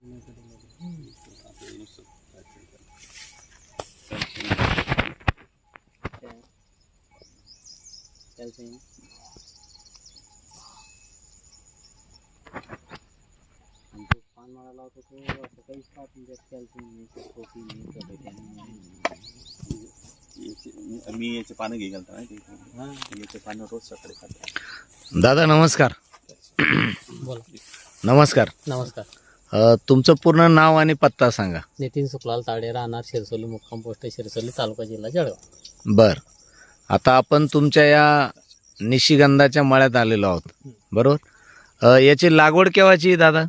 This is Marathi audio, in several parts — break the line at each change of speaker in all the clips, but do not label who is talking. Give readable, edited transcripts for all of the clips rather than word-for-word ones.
पान मारायला होतं तो असं काहीच पाहत नाही, त्यात कॅल्शियम नाही, प्रोटीन नाही,
मी याचे पानं घे घालतो ना, याचे पानं रोज सकाळी खातो.
दादा नमस्कार.
बोला.
नमस्कार.
नमस्कार.
तुमचं पूर्ण नाव आणि पत्ता सांगा.
नितीन सुखलाल ताडे, राहणार शिरसोली, मुक्काम पोस्ट शिरसोली, तालुका जिल्हा जळगाव.
बर, आता आपण तुमच्या या निशिगंधाच्या मळ्यात आलेलो आहोत, बरोबर. याची लागवड केव्हाची दादा?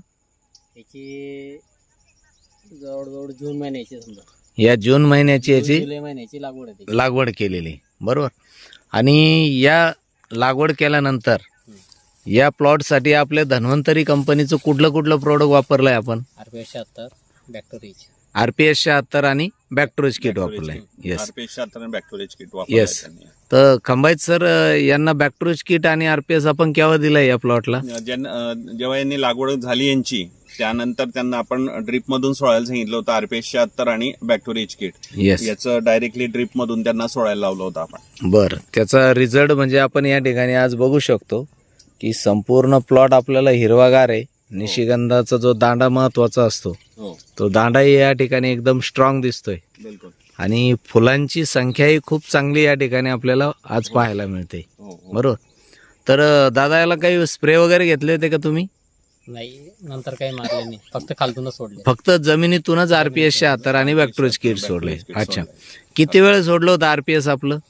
याची जवळजवळ जून महिन्याची, समजा
या जून महिन्याची याची
जुलै महिन्याची लागवड आहे.
लागवड केलेली, बरोबर. आणि या लागवड केल्यानंतर या प्लॉटसाठी आपल्या धन्वंतरी कंपनीचं कुठलं कुठलं प्रोडक्ट वापरलंय आपण?
RPS 76, बॅक्टोरिज,
RPS 76 आणि बॅक्टोरिज किट वापरलंय. येस,
RPS 76 आणि बॅक्टोरिज किट
येस. तर खंबाईत सर यांना बॅक्टोरिज किट आणि RPS आपण केव्हा दिलंय या प्लॉटला?
जेव्हा यांनी लागवड झाली यांची, त्यानंतर त्यांना आपण ड्रीप मधून सोडायला सांगितलं होतं RPS 76 आणि बॅक्टोरिज किट.
येस,
याचं डायरेक्टली ड्रीप मधून त्यांना सोडायला लावलं होतं आपण.
बर. त्याचा रिझल्ट म्हणजे आपण या ठिकाणी आज बघू शकतो की संपूर्ण प्लॉट आपल्याला हिरवागार आहे. निशिगंधाचा जो दांडा महत्वाचा असतो, तो दांडाही या ठिकाणी एकदम स्ट्रॉंग दिसतोय.
बिलकुल.
आणि फुलांची संख्याही खूप चांगली या ठिकाणी आपल्याला आज पाहायला मिळते, बरोबर. तर दादा याला काही स्प्रे वगैरे घेतले होते का तुम्ही?
नाही, नंतर काही मारले नाही, फक्त खालतूनच सोडले.
फक्त जमिनीतूनच RPS 76 आणि बॅक्टोरिज किट सोडले. अच्छा, किती वेळ सोडलं होतं RPS आपलं?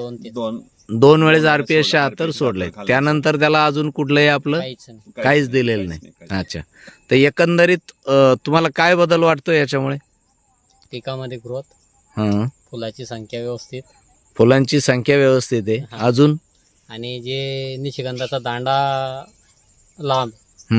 2 वेळेस RPS 76 सोडले. त्यानंतर त्याला अजून कुठलंही आपलं काहीच दिलेलं नाही. अच्छा, तर एकंदरीत तुम्हाला काय बदल वाटतो याच्यामुळे?
पिकामध्ये ग्रोथ, फुलाची संख्या व्यवस्थित,
फुलांची संख्या व्यवस्थित आहे अजून,
आणि जे निशिगंधाचा दांडा लांब.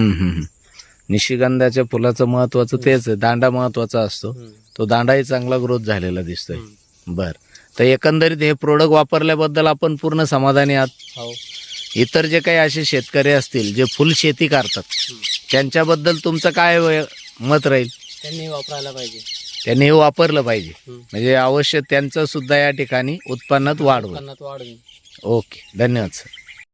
निशिगंधाच्या फुलाचं महत्वाचं तेच आहे, दांडा महत्वाचा असतो. तो दांडाही चांगला ग्रोथ झालेला दिसतोय. बर, तर एकंदरीत हे प्रोडक्ट वापरल्याबद्दल आपण पूर्ण समाधानी आहात. इतर जे काही असे शेतकरी असतील जे फुल शेती करतात, त्यांच्याबद्दल तुमचं काय मत राहील?
त्यांनी वापरायला पाहिजे,
त्यांनी हे वापरलं पाहिजे, म्हणजे अवश्य त्यांचं सुद्धा या ठिकाणी उत्पन्नात वाढ होईल.
वाढ होईल.
ओके, धन्यवाद सर.